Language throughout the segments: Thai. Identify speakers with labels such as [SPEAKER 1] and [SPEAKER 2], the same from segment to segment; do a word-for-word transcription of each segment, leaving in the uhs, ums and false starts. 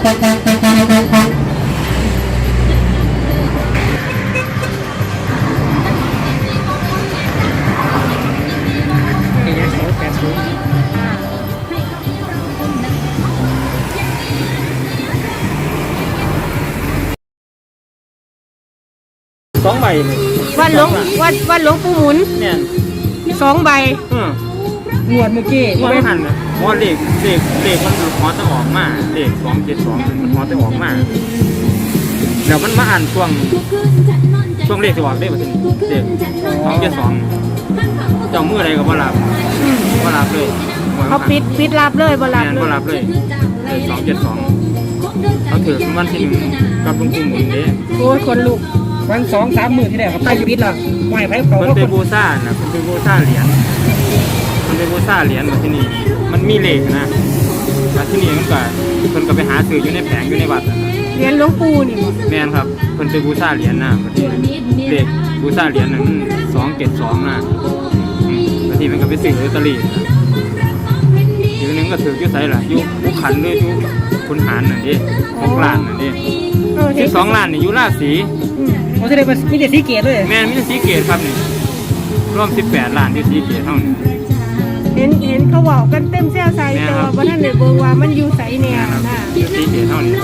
[SPEAKER 1] สองใบเลย
[SPEAKER 2] วันหลวงวันวันหลวงปู่หมุน
[SPEAKER 1] เนี่ย
[SPEAKER 2] สองใบ
[SPEAKER 1] งวดเมื่อกี้งวดไม่หันนะงวดเลขเลขเลขมันหอจะออกมาเลขสองเจ็ดสองมันหอจะออกมาเดี๋ยวมันมาอ่านช่วงช่วงเลขจะออกได้ป่ะทีนี้เลขสองเจ็ดสองเจ้ามืออะไรก็บ่รับบ่รับเลย
[SPEAKER 2] เขาปิดปิดรับเลยบ่รับ
[SPEAKER 1] เลยบ่รับเลยสองเจ็ดสองเขาถือวันที่หนึ่งกับหลวงปู่หมุนเด้
[SPEAKER 2] โอ้ยคนลุก
[SPEAKER 3] วันสองสามหมื่นที่ไหนเขาตั้งปิดละไม่ไพ่เขา
[SPEAKER 1] มันเป็นบูซ่านะมันเป็นบูซ่าเหรียญมันเป็นบูซ่าเหรียญมาที่นี่มันมีเหล็กนะมาที่นี่มันก็คนก็ไปหาซื้ออยู่ในแผงอยู่ในวัด
[SPEAKER 2] เหรียญหลวงปู่นี่
[SPEAKER 1] แม่นครับคนเป็นบูซ่าเหรียญนะมาที่เหล็กบูซ่าเหรียญนั้นสองเจ็ดสองนะมาที่มันก็ไปซื้อลอตเตอรี่ทีนึงก็ถือยุ่ไซล่ะยุ่ผู้ขันด้วยยุ่คุณหารนั่นดิหกล้านนั่นดิสิบสองล้านนี่ยุ่ราศี
[SPEAKER 3] เขาจะได้เป็นมีแต่สีเกตด้วย
[SPEAKER 1] แม่มีแต่สีเกตครับนี่ร่วมสิบแปดล้านที่สีเกตเท่านี้
[SPEAKER 2] เห็นเห็นเขาบอกกันเต็มเส้นใส่แต่ว่าวันนั้นเลยบอกว่ามันอยู่ใส่แนวน่ะ
[SPEAKER 1] สีเกตเท่านี้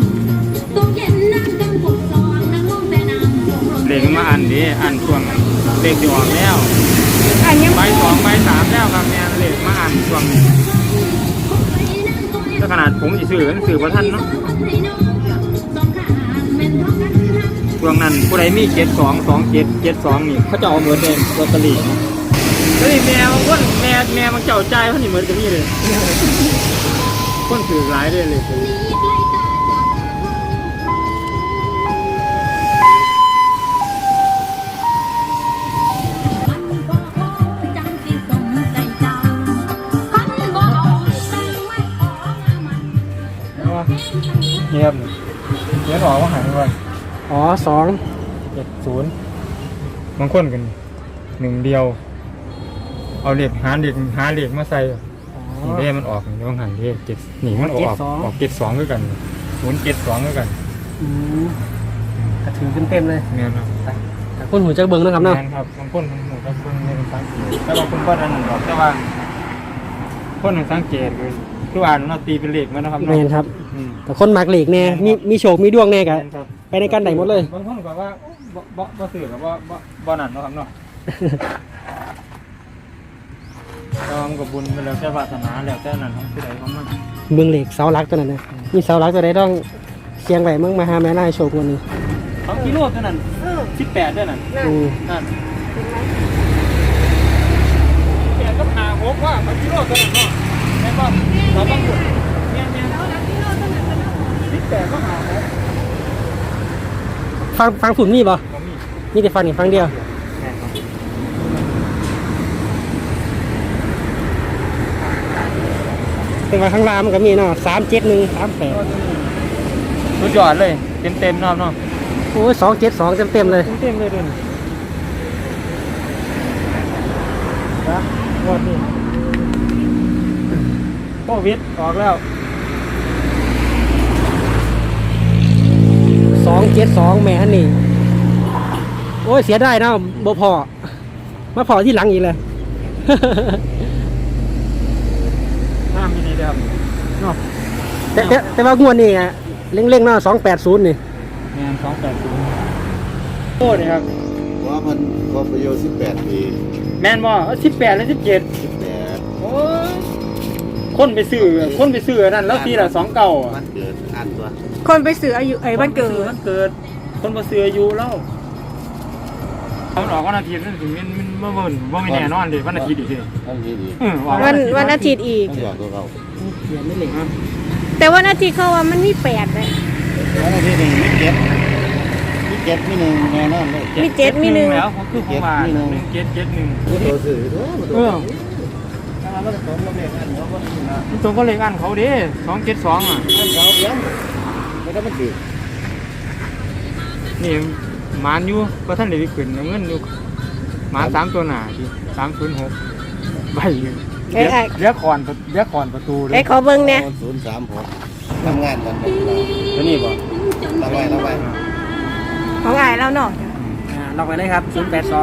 [SPEAKER 1] เลขมาอันนี้อันช่วงเลขจะออกแล้ว
[SPEAKER 2] อันยัง
[SPEAKER 1] ใบสองใบสามแล้วครับแม่เลขมาอันช่วงนี้ถ้าขนาดผมจะซื้อหนังสือพระท่านเนาะช่วงนั้นผู้ใดมีเจ็ดสองสองเจ็ดเจ็ดสองนี่เขาจะเอาเหมือนเดิมลอตเตอรี่แล้วนี่แม่บางคนแม่แม่มันเจ้าใจเขานี่เหมือนกับนี่เลยคนถือหลายเลยเลยเงียบเงียบออกว่าหายไป
[SPEAKER 3] อ๋อสอง
[SPEAKER 1] เจ็ดศูนย์บางคนกันหนึ่งเดียวเอาเหล็กหาเหล็กหาเหล็กมาใส่นี่เด้มันออกนี่ต้องหันเด้เจ็ดหนีมันออกออกเจ็ดสองด้วยกันศูนย์เจ็ดสองด้วยกัน
[SPEAKER 3] อืมกระถือเต็มเลย
[SPEAKER 1] เนี่ยครับ
[SPEAKER 3] แต่คนหูจักเบิ้งนะครับเนาะ
[SPEAKER 1] ครับบางคนหูจักเบิ้งในเป็นสังเกตแต่บางคนก็นั่นหรอกแต่ว่าคนหนึ่งสังเกตคือทุกอ่านเราตีเป็นเหล็กมันนะครับ
[SPEAKER 3] เนาะครับแต่คนมักเหล็กเนี่ยมีมีโชคมีดวงแน่กันไปในการไหนหมดเลย
[SPEAKER 1] บางคนก็ว่าบ่บ่บ่สื่อกับบ่บ่บ่นั่นเนาะครับเนาะก็มันก็บุญไปแล้วแต่วาสนาแล้วแต่นั่นของผู้ใดของมัน
[SPEAKER 3] เมืองเหล็กเสาหลักตัวนั้นนะมีเสาหลักตัวใดต้องเชียงไหวเมืองมหาแม่นายโชควันนี้
[SPEAKER 1] สองกิโลตัวนั้นสิบแปดด้วยนั่นนั่นแปดก็หาหกว่าสองกิโลตัวนั้นเนาะแม่นบ่เราต้องบุญแม่นแม่นสิบแปดก็หาหก
[SPEAKER 3] ฟังฟังฝุ่นมีป่ะมีแต่ฟังอีกฟังเดียวแต่ว่าข้างล่างมันก็มีเนาะสามเจ็ดหนึ่งสามแปด
[SPEAKER 1] สุดยอดเลยเต็มเต็มเนาะเนาะ
[SPEAKER 3] โอ้ยสองเจ็ดสองเต็มเต็มเลย
[SPEAKER 1] เต็มเลยด้วยนะงวดนี้โควิดออกแล้ว
[SPEAKER 3] สองเจ็ดสองแม่ฮันนี่โอ้ยเสียได้นะบ่พอมาพอที่หลังอีกเลย
[SPEAKER 1] น้ำมีนี่เดียวเนาะ
[SPEAKER 3] แต่แต่แต่ว่างวดนี่เร่งๆเนาะสองแปดศูนย์นี่
[SPEAKER 1] แม่สองแปดศูนย์โอ้นี่ครับ
[SPEAKER 4] ว่ามันความประโยชน์สิบแปดปี
[SPEAKER 1] แม่นบ่สิบแปดและสิบเจ็ด
[SPEAKER 4] สิบแปด
[SPEAKER 1] โอ้ยคนไปซื้อคนไปซื้อนั่นแล้วทีละสองเก่า
[SPEAKER 4] วันเกิดอันตัว
[SPEAKER 2] คนไปซื้ออายุไอ้วันเกิด
[SPEAKER 1] วันเกิดคนมาซื้ออายุแล้วเขาออกวันอาทิตย์นั่นถึงมันมันเมื่อวันว่าไม่แน่นอนเลยวันอาทิตย์อีก
[SPEAKER 2] วันวันอาทิตย์อีกแต่วันอาทิตย์เขาว่ามันมีแปดเลย
[SPEAKER 4] วันอาทิตย์หนึ่งมีเจ็ดมีเจ็ดมีหนึ่งแน่นอนเลย
[SPEAKER 2] มีเจ็ดมีหนึ่ง
[SPEAKER 1] แล้วเขาคือของวันหนึ่งเจ็ดเจ็ดหนึ่ง
[SPEAKER 4] ตัวสื่อเออ
[SPEAKER 1] มันตรงก็เลขอันเขามันตรงก็เลขอันเขาดิสองเจ็ดสองอ่ะ
[SPEAKER 4] เขาเลี้ยงไม่ต้องมันดี
[SPEAKER 1] นี่หมานอยู่ก็ท่านเด็กขึ้นเงินอยู่หมานสามตัวหนาที่สามศูนย์หกใบอยู่
[SPEAKER 2] เอ้ยไอ้
[SPEAKER 1] เลี้ยคอนเลี้ยคอนประตูเล
[SPEAKER 2] ไอ้
[SPEAKER 1] ย
[SPEAKER 2] ขอเบิ่งเนี่ย
[SPEAKER 4] ศูนย์สามหกทำงานกัน
[SPEAKER 1] ตัวนี้บ่
[SPEAKER 4] ระไว้ระไว้
[SPEAKER 2] ของไอ้เราเนาะ
[SPEAKER 3] อ่าลองไปเลยครับศูนย์แปดสอง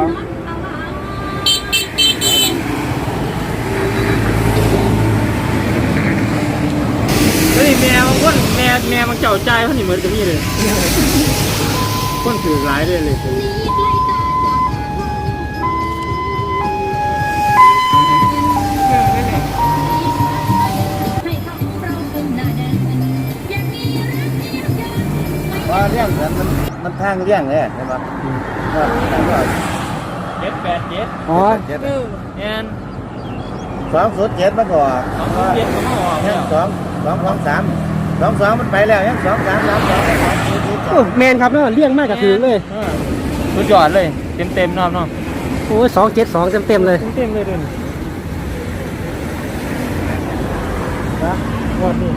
[SPEAKER 1] ตัวนี้แม่บางคนแม่แม่มันเจ้าใจเขานี่เหมือนกับนี่เลยคนถือหลายเลยเลยตัวนี้
[SPEAKER 4] ว่าเรื่องนั้นมันมันทางเรื่องเลยใช่ไหมว่า
[SPEAKER 1] เจ็ดแปดเจ็ด
[SPEAKER 3] อ๋อ
[SPEAKER 4] เจ็ด
[SPEAKER 2] เออ
[SPEAKER 1] แอน
[SPEAKER 4] สองศูนย์เจ็ดมาก่อน
[SPEAKER 1] สองศูนย์เจ็ดเขามาออก
[SPEAKER 4] ยั
[SPEAKER 1] แล้
[SPEAKER 4] ง
[SPEAKER 1] ว
[SPEAKER 4] สองสองสองสามสองสองมันไปแล้วยังสองสามสามสองสามสี่สี่ส
[SPEAKER 3] โอ้
[SPEAKER 4] อง
[SPEAKER 3] แมนครับเนาะเลี้ยงมากกับถือเลย
[SPEAKER 1] ออสุดยอดเลยเต็มเต็มๆเน้องน้อง
[SPEAKER 3] โอ้ยสองเจ็ดสองเต็มเต็มๆเลย
[SPEAKER 1] เต็มเต็มๆเลยเดินนะวันนี้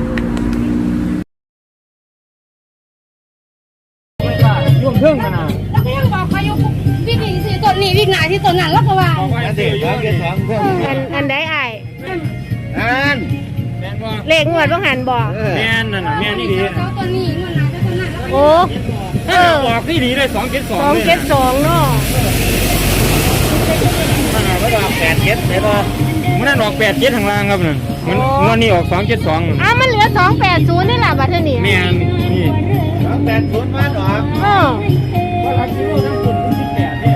[SPEAKER 1] ไม่ได้ยุ่งเพิ่งมานะ
[SPEAKER 5] แล้วก็ยังบอกเขาอยู่วิ่งหนีที่ต้นนี้วิ่งหนาที่ต้นนั้นแล้วก็ว่า
[SPEAKER 1] บอกว่า
[SPEAKER 4] อัน
[SPEAKER 1] เสี
[SPEAKER 4] เด็
[SPEAKER 1] ย
[SPEAKER 4] ก
[SPEAKER 1] เย
[SPEAKER 4] สอ
[SPEAKER 1] อะ
[SPEAKER 4] งเจ็ดสองเพื่อน
[SPEAKER 2] อันอันใดไอ้
[SPEAKER 4] อัน
[SPEAKER 1] แม่นว่า
[SPEAKER 2] เลขงวดบ่หันบ่
[SPEAKER 4] เออ
[SPEAKER 1] แม่นนั่นน่ะแม่นนี่ดี
[SPEAKER 5] เขาต้นนี้เงินหนาที่ต้นนั้นแล้วก็
[SPEAKER 2] โอ้เออ
[SPEAKER 1] บอกที่ดีเลยสองเจ็ดสอง
[SPEAKER 2] สองเจ็ดสองเนาะ
[SPEAKER 4] มันเอาไว้ว่าแปดเจ็ดใช่ป่ะ
[SPEAKER 1] มันนั่นออกแปดเจ็ดทางล่างครับนั่นมันงวดนี้ออกสองเจ็ดสอง
[SPEAKER 2] อ้าวมันเหลือสองแปดศูนย์นี่แหละบัดเทอนี่
[SPEAKER 1] แม่นนี่
[SPEAKER 4] สองแปดศูนย์มันออก
[SPEAKER 2] เออ
[SPEAKER 1] ว่ารักคิวทั้งคนที่แปดเนี่ย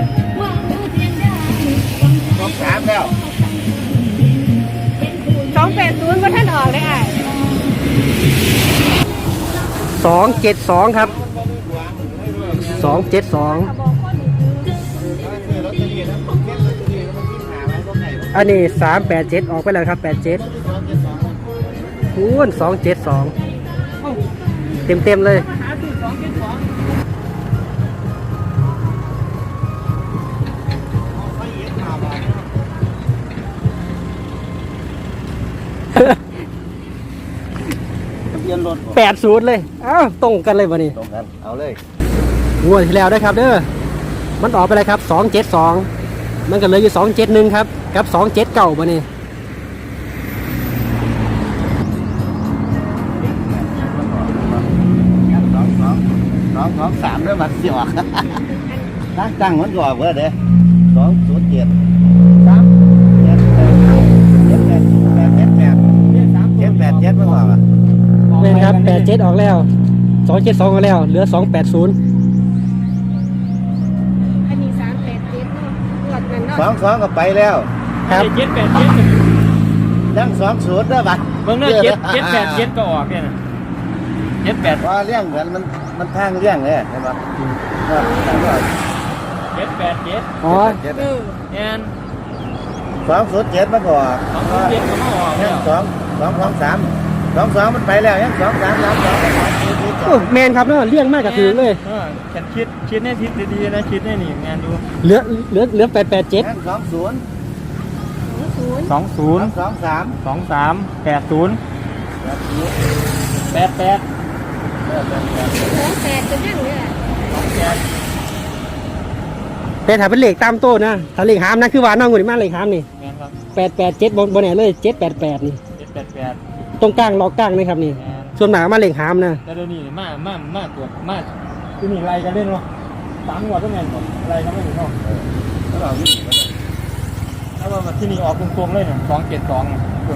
[SPEAKER 4] สองสามแล้ว
[SPEAKER 2] สองแปดศูนย์บ่ท่านออกเลยไอ้
[SPEAKER 3] สองเจ็ดสองครับสองเจ็ดสองอันนี้สามแปดเจ็ดออกไปแล้วครับแปดเจ็ดคูณสองเจ็ดสองเต็มเต็มๆเลย
[SPEAKER 4] ทะเบียนรถ
[SPEAKER 3] แปดศูนย์เลยอ้าวตรงกันเลยวันนี้
[SPEAKER 4] ตรงกันเอาเลย
[SPEAKER 3] งวดที่แล้วนะครับเด้อมันออกไปเลยครับสองเจ็ดสองมันก็เหลยอยู่สองเจ็ดหนึ่งครับกับสองเจ็ดเก่าวันนี้
[SPEAKER 4] สองสองสองสองสามด้วยมันสิออกตั้งตั้งมันก็ออกเว้ยเด้สองศูนย์เจ็ดสามเจ็ดแปดเจ็ดแปดแปดเจ็ดแปดเจ็ดแปดเจ็ดมันออกอ่ะ
[SPEAKER 3] เป็นครับแปดเจ็ดออกแล้วสองเจ็ดสองออกแล้วเหลือสองแปดศูนย์
[SPEAKER 2] อันนี้สามแปดเจ็ดเนาะงวดนั้นเนาะ
[SPEAKER 4] สองสองก็ไปแล้ว
[SPEAKER 3] ครับ
[SPEAKER 1] เจ็ดแปดเจ็ด
[SPEAKER 4] ยังสองศูนย์ด้วยบัด
[SPEAKER 1] เบิ่งเนื้อเจ็ดเจ็ดแปดเจ็ดก็ออกเนี่ยนะเจ็ดแปด
[SPEAKER 4] ว่าเรื่องเหมือนมันมันทางเรื่องเลยใช่ไหมว่า
[SPEAKER 1] เจ็ดแปดเจ็ด
[SPEAKER 3] อ๋อ
[SPEAKER 4] เจ็ด
[SPEAKER 2] เออ
[SPEAKER 1] แอน
[SPEAKER 4] สองศูนย์เจ็ดมันก็ออก
[SPEAKER 1] สองศูนย์เจ็ดก็มาออก
[SPEAKER 4] ยั
[SPEAKER 1] แล้
[SPEAKER 4] ง
[SPEAKER 1] ว
[SPEAKER 4] สองสองสองสามสองสองมันไปแล้วยังสองสามสามสองสามสี่สี่สอ
[SPEAKER 3] โอ้
[SPEAKER 4] ง
[SPEAKER 3] แมนครับเนาะเลี้ยงมากกับถือเลย
[SPEAKER 1] เออฉันคิดคิดแน่ทิศดีๆนะคิดแน่นี่งานดู
[SPEAKER 3] เหลือเหลือเหลือแปดแปดเจ็ด
[SPEAKER 4] ยังสองศูนย์
[SPEAKER 2] ศูนย์
[SPEAKER 1] สองศู
[SPEAKER 4] ส
[SPEAKER 1] นย์
[SPEAKER 4] องสองสาม
[SPEAKER 1] สองสามแปดศูนย์แปดแปด
[SPEAKER 2] สองแปดจะยังเนี่ย
[SPEAKER 3] แต่ถ้าเป็นเหล็กตามโต้นะถ้าเหล็กหามนะคือว่าน้องงูนี่มาเหล็กหามนี่
[SPEAKER 1] แมนครับ
[SPEAKER 3] แปดแปดเจ็ดบนบนไหนเลยเจ็ดแปดแปดนี่
[SPEAKER 1] เจ็ดแปดแปด
[SPEAKER 3] ตรงกลางล็อกกลางนะครับนี่
[SPEAKER 1] แมน
[SPEAKER 3] ส่วนหนามาเหล็กหามนะ
[SPEAKER 1] แต่เดี๋ยวนี้มามามาตัวมาที่นี่ไรกันเล่นวะสามหัวต้องแมนหมดไรกันไม่ถึงเนาะ
[SPEAKER 4] แล้วเราวิ่ง
[SPEAKER 1] ถ้าว่าที่นี่ออกตรงๆเลยเนี่ยสองเจ็ดสองคุณ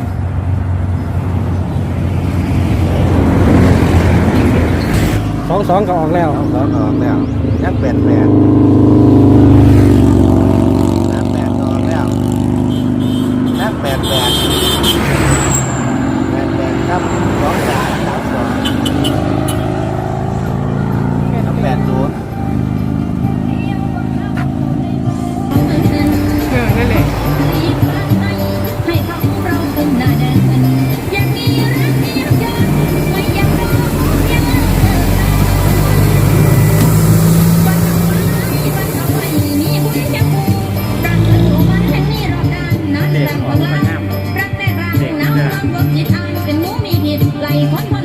[SPEAKER 3] สองสองก็ออกแล้ว
[SPEAKER 4] สองสองออกแล้วยังแปดแปดยังแปดออกแล้วยังแปดแปดแปดแปดครับสองสามสามสองยังแปดศูนย์
[SPEAKER 2] เออนั่นแหละ
[SPEAKER 5] ให้เขาเราเป็นหน้าแดงยังมีรักมีรักยังไม่ยังรอยังวันทำไมวันทำไมมีผู้ใดจะพูดรักกันอยู่วันแห่งนี้รอบด้านนั้นแรงพลังรักแต่รักหนาวความบอกจิตอ่านเป็นหมูมีผิดไหลคนคน